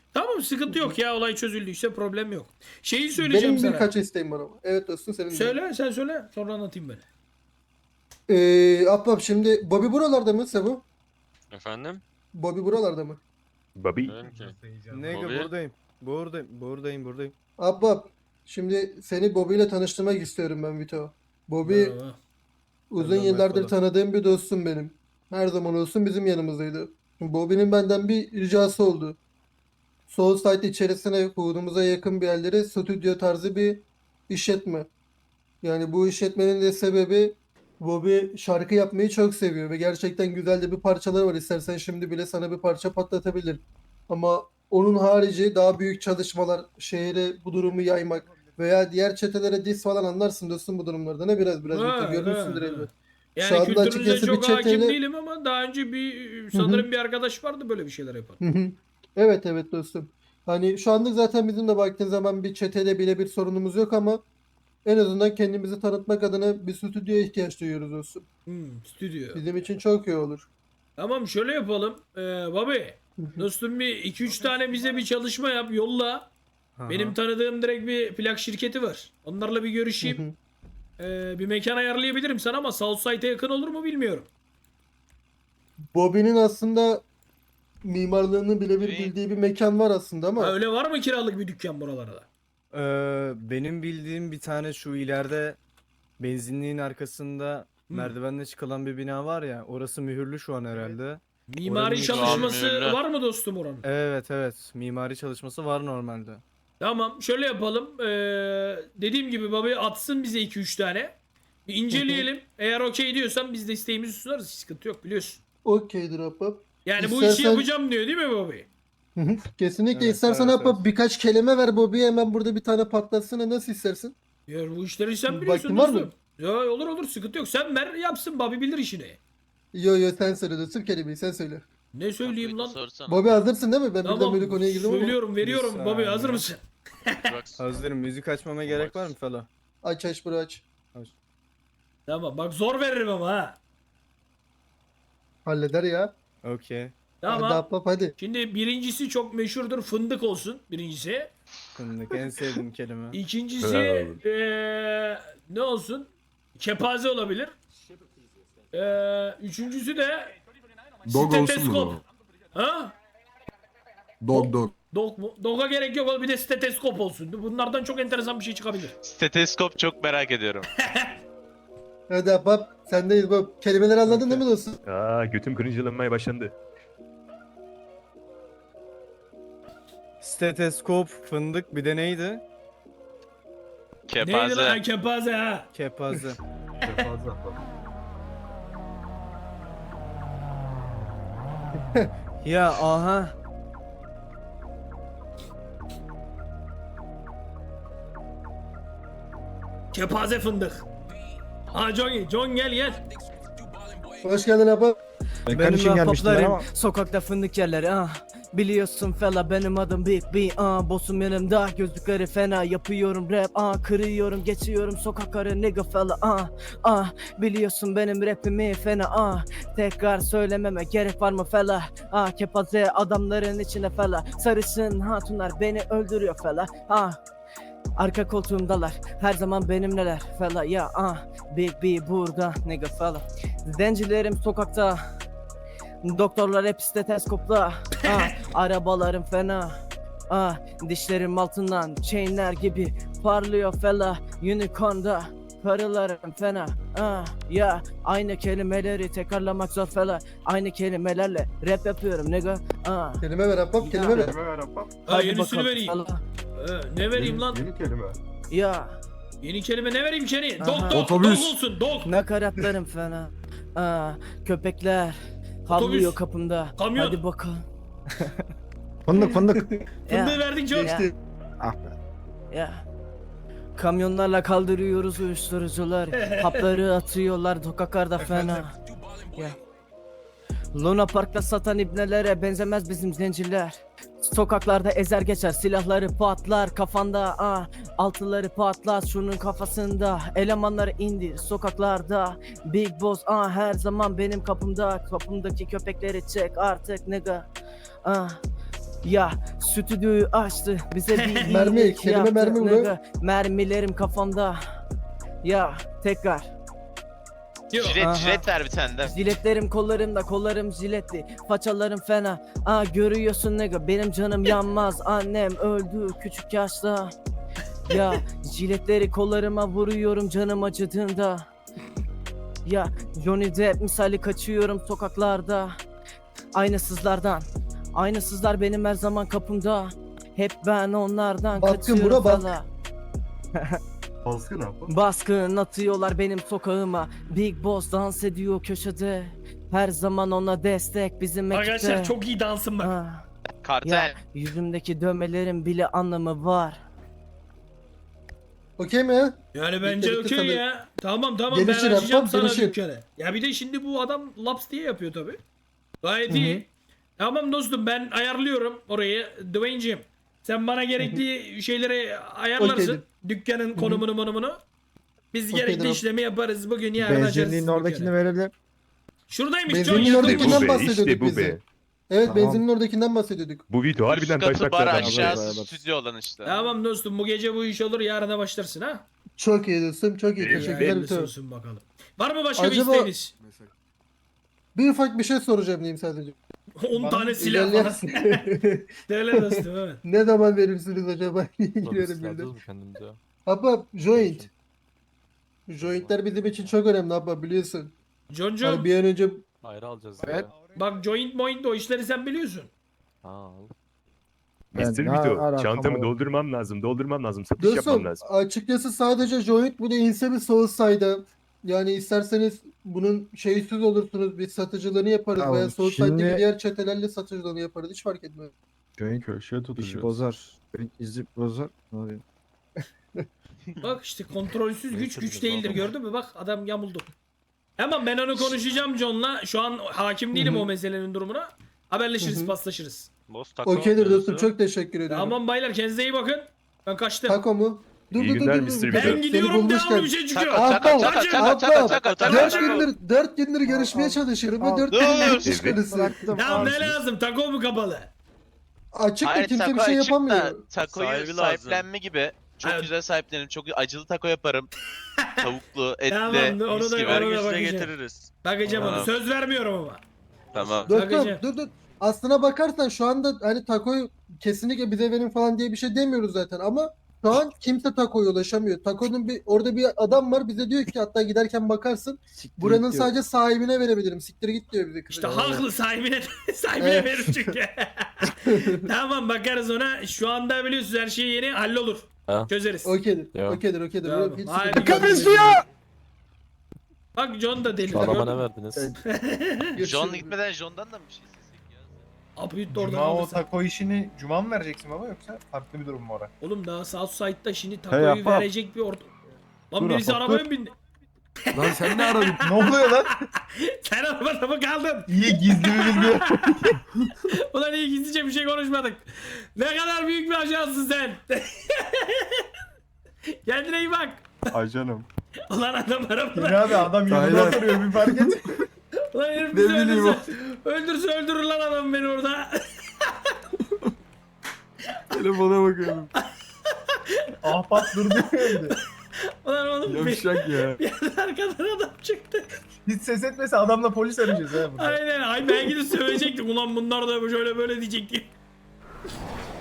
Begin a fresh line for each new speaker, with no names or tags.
Tamam, sıkıntı yok ya, olay çözüldüyse problem yok. Şeyi söyleyeceğim
Benim
sana.
birkaç isteğim var ama. Evet dostum senin de.
Söyle, sen söyle, sonra anlatayım ben.
Ahbap şimdi Bobby buralarda mı Sebu?
Efendim?
Bobby buralarda mı?
Bobby.
Dedim ki.
Nega
Bobby?
buradayım. Buradayım.
Ahbap şimdi seni Bobby ile tanıştırmak istiyorum ben Vito. Bobby
Merhaba.
uzun
Selam,
yıllardır
merhaba.
tanıdığım bir dostum benim. Her zaman olsun bizim yanımızdaydı. Bobby'nin benden bir ricası oldu. Soulside içerisine hudumuza yakın bir yerlere stüdyo tarzı bir işletme. Yani bu işletmenin de sebebi Bobby şarkı yapmayı çok seviyor ve gerçekten güzel de bir parçaları var. İstersen şimdi bile sana bir parça patlatabilir. Ama onun harici daha büyük çalışmalar, şehre bu durumu yaymak veya diğer çetelere diss falan anlarsın dostum bu durumlarda. Ne biraz
Ha,
görmüşsündür
ha,
elbet.
ha. Yani
Şu anda
kültürünüze
açıkçası bir
çok hakim
çeteyle...
değilim ama daha önce bir sanırım bir arkadaş vardı böyle bir şeyler yapan.
Hı hı. Evet dostum. Hani şu anlık zaten bizim de baktığın zaman bir çeteyle bile bir sorunumuz yok ama en azından kendimizi tanıtmak adına bir stüdyoya ihtiyaç duyuyoruz dostum.
Stüdyo.
Bizim için çok iyi olur.
Tamam, şöyle yapalım. Bobby,
Hı hı.
dostum bir 2-3 tane bize bir çalışma yap, yolla. Benim tanıdığım direkt bir plak şirketi var. Onlarla bir
Hı
görüşeyim.
hı.
Bir mekan ayarlayabilirim sana ama Southside'e yakın olur mu bilmiyorum.
Bobby'nin aslında mimarlığını birebir bildiği bir mekan var aslında ama
Ha, öyle var mı kiralık bir dükkan buralarda?
Benim bildiğim bir tane şu ileride benzinliğin arkasında merdivenle çıkılan bir bina var ya. Orası mühürlü şu an herhalde.
Mimari
Oranın
çalışması
mühürlü.
var mı dostum oranın?
Evet. Mimari çalışması var normalde.
Tamam, şöyle yapalım. Dediğim gibi Bobby atsın bize 2-3 tane. Bir inceleyelim. Eğer okey diyorsan biz de isteğimizi sunarız. Sıkıntı yok, biliyorsun.
okeydir ahbap.
Yani bu işi
İstersen-
yapacağım diyor değil mi Bobby?
Hı hı. Kesinlikle
Evet,
istersen
evet,
ahbap
evet.
birkaç kelime ver Bobby'ye hemen burada bir tane patlatsana nasıl istersin?
Ya bu işleri sen
Vaktin
biliyorsun
var mı?
dostum. Ya olur sıkıntı yok. Sen ver yapsın, Bobby bilir işini.
Yo sen söyle dostum kelimeyi sen söyle.
Ne söyleyeyim lan?
Sorsana.
Bobby hazırsın değil mi? Ben birden
Tamam,
böyle konuya girdim ama.
söylüyorum, veriyorum.
Bir
Bobby
saniye.
hazır mısın?
Hazırım. Müzik açmama gerek var mı fela?
Aç bro aç.
Tamam, bak zor veririm ama ha.
Halleder ya.
Okey.
Tamam.
Hadi ahbap hadi.
Şimdi birincisi çok meşhurdur, fındık olsun birincisi.
Fındık en sevdiğim kelime.
İkincisi
Bravo.
ne olsun? Kepaze olabilir. Üçüncüsü de
Dog olsun mu?
steteskop. Ha?
Dog.
Dog mu? Dog'a gerek yok oğlum, bir de steteskop olsun. Bunlardan çok enteresan bir şey çıkabilir.
Steteskop çok merak ediyorum.
Hadi ahbap sendeyiz Bob. Kelimeleri anladın değil mi dostum?
Götüm cringe'lanmaya başlandı.
Steteskop, fındık bir de neydi?
Neydi lan?
Kepaze.
Ha, kepaze ha.
Kepaze. Ya aha.
Kepaze fındık. Ha John gel.
Hoş geldin ahbap.
Benim ahbaplarım sokakta fındık yerleri Biliyorsun fela benim adım Big B Bossum yanımda gözlükleri fena yapıyorum rap kırıyorum geçiyorum sokakları nigga fella Biliyorsun benim rapimi fena Tekrar söylememe gerek var mı fela Kepaze adamların içine fela Sarışın hatunlar beni öldürüyor fela Arka koltuğumdalar her zaman benimleler fella ya Big B burada nigga fella Zencilerim sokakta Doktorlar hep steteskopla Arabalarım fena Dişlerim altından chainler gibi parlıyor fella Unicorn'da karılarım fena ya aynı kelimeleri tekrarlamak zor fella Aynı kelimelerle rap yapıyorum nigga
Kelime ver ahbap kelime ver.
Ha, yenisini vereyim.
fella.
Ne vereyim lan?
Yeni kelime.
Ya
Yeni kelime ne vereyim seni?
Aha.
Dog
Otobüs.
olsun, dog.
nakaratlarım fena Köpekler havlıyor kapımda
Kamyon.
Hadi bakalım
Fındık.
Fındığı verdik John.
Geçti.
Ya. Kamyonlarla kaldırıyoruz uyuşturucular. Hapları atıyorlar sokaklarda fena. Ya. Luna Park'ta satan ibnelere benzemez bizim zenciler. Sokaklarda ezer geçer silahları patlar kafanda altıları patlar şunun kafasında elemanları indir sokaklarda Big Boss her zaman benim kapımdaki köpekleri çek artık nigga Ya stüdyoyu açtı bize bir
Mermi,
iyilik
kelime
yaptı,
mermi bro.
nigga. Mermilerim kafamda. Ya tekrar.
Yok.
Aha.
Jilet ver bir tane de.
Jiletlerim kollarımda, kollarım jiletli. Façalarım fena. Görüyorsun nigga, benim canım yanmaz. Annem öldü küçük yaşta. Ya jiletleri kollarıma vuruyorum canım acıdığında. Ya Johnny Depp misali kaçıyorum sokaklarda. Aynasızlardan. Aynasızlar benim her zaman kapımda. Hep ben onlardan
Baskın
kaçıyorum
bura, bak.
fela.
Baskın abi.
Baskın atıyorlar benim sokağıma. Big Boss dans ediyor köşede. Her zaman ona destek bizim ekipte.
Arkadaşlar çok iyi dansın bak.
Ah,
Kartel.
ya yüzümdeki dövmelerin bile anlamı var.
Okey mi ya?
Yani bence
bitti
okey
sana.
ya. Tamam
Gelişir
ben açacağım
yapmam,
sana
gelişir.
dükkanı. Ya bir de şimdi bu adam laps diye yapıyor tabi. Gayet iyi. Tamam dostum ben ayarlıyorum orayı. Dwayne'cim sen bana gerekli şeyleri ayarlarsın.
Okeydir.
Dükkanın konumunu. Biz
Okeydir
gerekli
abi.
işlemi yaparız. Bugün yarın açarız.
Benzinliğin
dükkanı.
oradakini verelim.
Şuradaymış John
Benzinin
yakın.
İşte
oradakinden
bu be,
bahsediyorduk
işte bu
biz de.
be.
Evet
Tamam.
benzinin oradakinden bahsediyorduk.
Bu video
Üst
harbiden taş
katı bar
takladan.
aşağısı
Evet.
stüdyo olan işte.
Tamam dostum bu gece bu iş olur yarına başlarsın ha.
Çok iyi dostum, çok iyi.
Evet,
Teşekkürler bir
Hayırlısı
tane.
olsun bakalım. Var mı başka bir
Acaba-
isteğiniz?
Bir ufak bir şey soracağım diyeyim sadece.
10 tane silah falan.
İlerleyen-
Söyle dostum evet.
Ne zaman verirsiniz acaba? Girerim bildim.
ya.
Abba joint. Jointler bizim için çok önemli abba biliyorsun.
John'cum
Hani bir an önce
Ayrı alacağız
Evet.
bak joint moint o işleri sen biliyorsun.
Mr.
Ben ne
Vito
alakam
çantamı
var?
doldurmam lazım. Satış yapmam
dostum
lazım.
açıkçası sadece joint bu da inse bir Soulside'a. Yani isterseniz bunun şeysiz olursunuz biz satıcılığını yaparız
Tamam,
veya Soulside'daki
şimdi-
diğer çetelerle satıcılığını yaparız hiç fark etmez.
Joint
Köşeye
işi
tutacağız.
bozar. Joint izi bozar. Ne oluyor?
Bak işte kontrolsüz güç değildir gördün mü? Bak adam yamuldu. Ama ben onu konuşacağım John'la. Şu an hakim değilim
Hı hı.
o meselenin durumuna. Haberleşiriz,
Hı hı.
paslaşırız.
Boss taco.
Okeydir dostum çok teşekkür ediyorum.
Tamam baylar kendinize iyi bakın. Ben kaçtım.
Taco mu?
İyi günler Mr.
Ben
Seni
gidiyorum
bulmuşken-
devamlı bir şey çıkıyor.
Abba,
Taco.
4 gündür görüşmeye çalışıyorum ve
Al.
4
Dur.
gündür iş
Evet.
konusu.
Bıraktım.
Tamam
al.
ne lazım? Taco mu kapalı?
Açık da
Hayır
kimse bir
taco
şey
açık da
yapamıyor.
takoyu
Sahibi
sahiplenme gibi. Çok
Evet.
güzel sahiplenirim. Çok acılı taco yaparım. Tavuklu, etli,
Tamam, onu
mis
da-
gibi.
onu da
Vergisine
bakacağım.
getiririz.
Bakacağım onu.
Tamam.
Söz vermiyorum ama.
Tamam.
Bakacağım.
Dur. Aslına bakarsan şu anda hani takoyu kesinlikle bize verin falan diye bir şey demiyoruz zaten ama şu an kimse takoya ulaşamıyor. Takonun orada bir adam var bize diyor ki hatta giderken bakarsın
Siktir
buranın
diyor.
sadece sahibine verebilirim. Siktir git diyor bize.
İşte haklı sahibine
Evet.
verir çünkü. Tamam bakarız ona. Şu anda biliyorsunuz her şey yeni hallolur.
Ha.
Çözeriz.
Okeydir.
Ya.
Okeydir.
Tamam.
Hiç
Haydi
sıkıntı yok.
görüşürüz.
Kapışıyor!
Bak John da deli.
ne verdiniz?
Görüşürüz.
John gitmeden John'dan da mı bir şey istesek ya?
Abi oradan
Cuma o
alırsan.
taco işini Cuma mı vereceksin baba yoksa farklı bir durum mu orada?
Oğlum daha Southside'da şimdi
Hey,
takoyu
yapma.
verecek bir orta. Lan
Dur,
birisi
yapma,
arabaya
dur.
mı bindi?
Lan sen ne aradın?
Ne oluyor lan?
Sen arabada mı kaldın?
İyi gizli bir bilgi.
Ulan iyi gizlice bir şey konuşmadık. Ne kadar büyük bir ajansın sen. Kendine iyi bak.
Ajanım.
Ulan adam arabada.
Yine abi adam yanında
Aynen.
oturuyor bir fark et.
Ulan herif
Ne
bizi
bileyim
öldürse öldürür lan adam beni orada.
Telefona bakıyorum.
Ahbap durdu önde.
Ulan oğlum bir
Yavşak ya.
arkadan adam çıktı.
Hiç ses etmese adamla polis arayacağız ha burada.
Aynen. Ay ben gidip sövecektim. Ulan bunlar da şöyle böyle diyecektim.